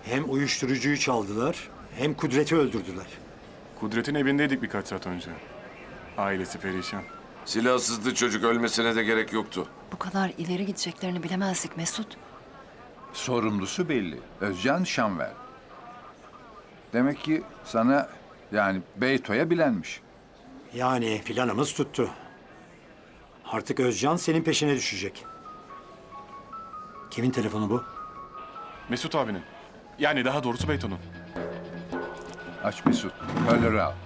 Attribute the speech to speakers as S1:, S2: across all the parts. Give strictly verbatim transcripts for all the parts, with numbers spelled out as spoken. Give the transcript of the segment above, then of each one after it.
S1: Hem uyuşturucuyu çaldılar, hem Kudret'i öldürdüler.
S2: Kudret'in evindeydik birkaç saat önce. Ailesi perişan.
S3: Silahsızdı çocuk, ölmesine de gerek yoktu.
S4: Bu kadar ileri gideceklerini bilemezdik Mesut.
S5: Sorumlusu belli. Özcan Şanver. Demek ki sana yani Beyto'ya bilenmiş.
S1: Yani planımız tuttu. Artık Özcan senin peşine düşecek. Kimin telefonu bu?
S2: Mesut abinin. Yani daha doğrusu Beyto'nun.
S5: Aç Mesut. Hoparlörü al.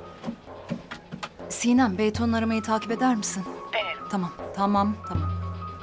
S4: Sinem, Beyton'un aramayı takip eder misin?
S6: Denerim.
S4: Tamam, tamam, tamam.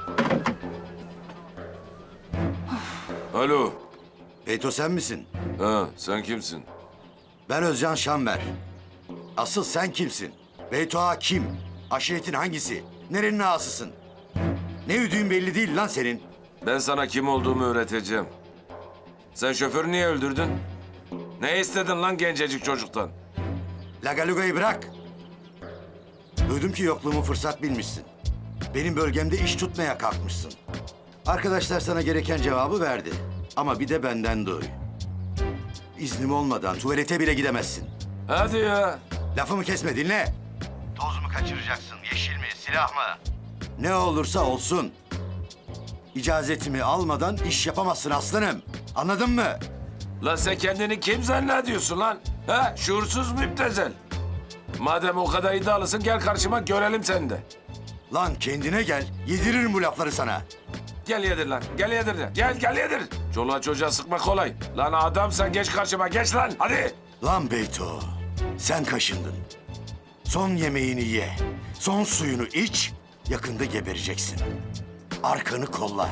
S3: Alo.
S7: Beyto sen misin?
S3: Ha, sen kimsin?
S7: Ben Özcan Şanver. Asıl sen kimsin? Beyto Ağa kim? Aşiretin hangisi? Nerenin ağasısın? Ne üdüğün belli değil lan senin.
S3: Ben sana kim olduğumu öğreteceğim. Sen şoförü niye öldürdün? Ne istedin lan gencecik çocuktan?
S7: Lagaluga'yı bırak. Duydum ki yokluğumu fırsat bilmişsin. Benim bölgemde iş tutmaya kalkmışsın. Arkadaşlar sana gereken cevabı verdi. Ama bir de benden duy. İznim olmadan tuvalete bile gidemezsin.
S3: Hadi ya.
S7: Lafımı kesme, dinle. Toz mu kaçıracaksın, yeşil mi, silah mı? Ne olursa olsun. İcazetimi almadan iş yapamazsın aslanım. Anladın mı?
S3: Lan sen kendini kim zannediyorsun lan? Ha? Şuursuz müptezel. Madem o kadar iddialısın gel karşıma görelim seni de.
S7: Lan kendine gel, yediririm bu lafları sana.
S3: Gel yedir lan. Gel yedir de. Gel gel yedir. Çoluğa çocuğa sıkma kolay. Lan adamsan geç karşıma geç lan. Hadi.
S7: Lan Beyto, sen kaşındın. Son yemeğini ye, son suyunu iç, yakında gebereceksin. Arkanı kolla.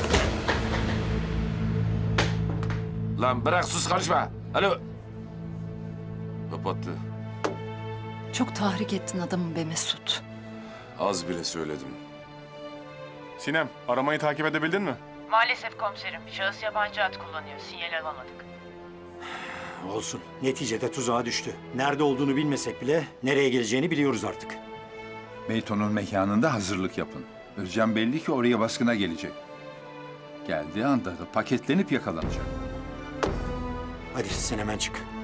S3: Lan bırak sus karışma. Alo. Kapattı.
S4: Çok tahrik ettin adamı be Mesut.
S3: Az bile söyledim.
S2: Sinem, aramayı takip edebildin mi?
S6: Maalesef komiserim. Şahıs yabancı hat kullanıyor. Sinyal alamadık.
S1: Olsun. Neticede tuzağa düştü. Nerede olduğunu bilmesek bile nereye geleceğini biliyoruz artık.
S5: Beyto'nun mekanında hazırlık yapın. Özcan belli ki oraya baskına gelecek. Geldiği anda da paketlenip yakalanacak.
S1: Hadi sen hemen çık.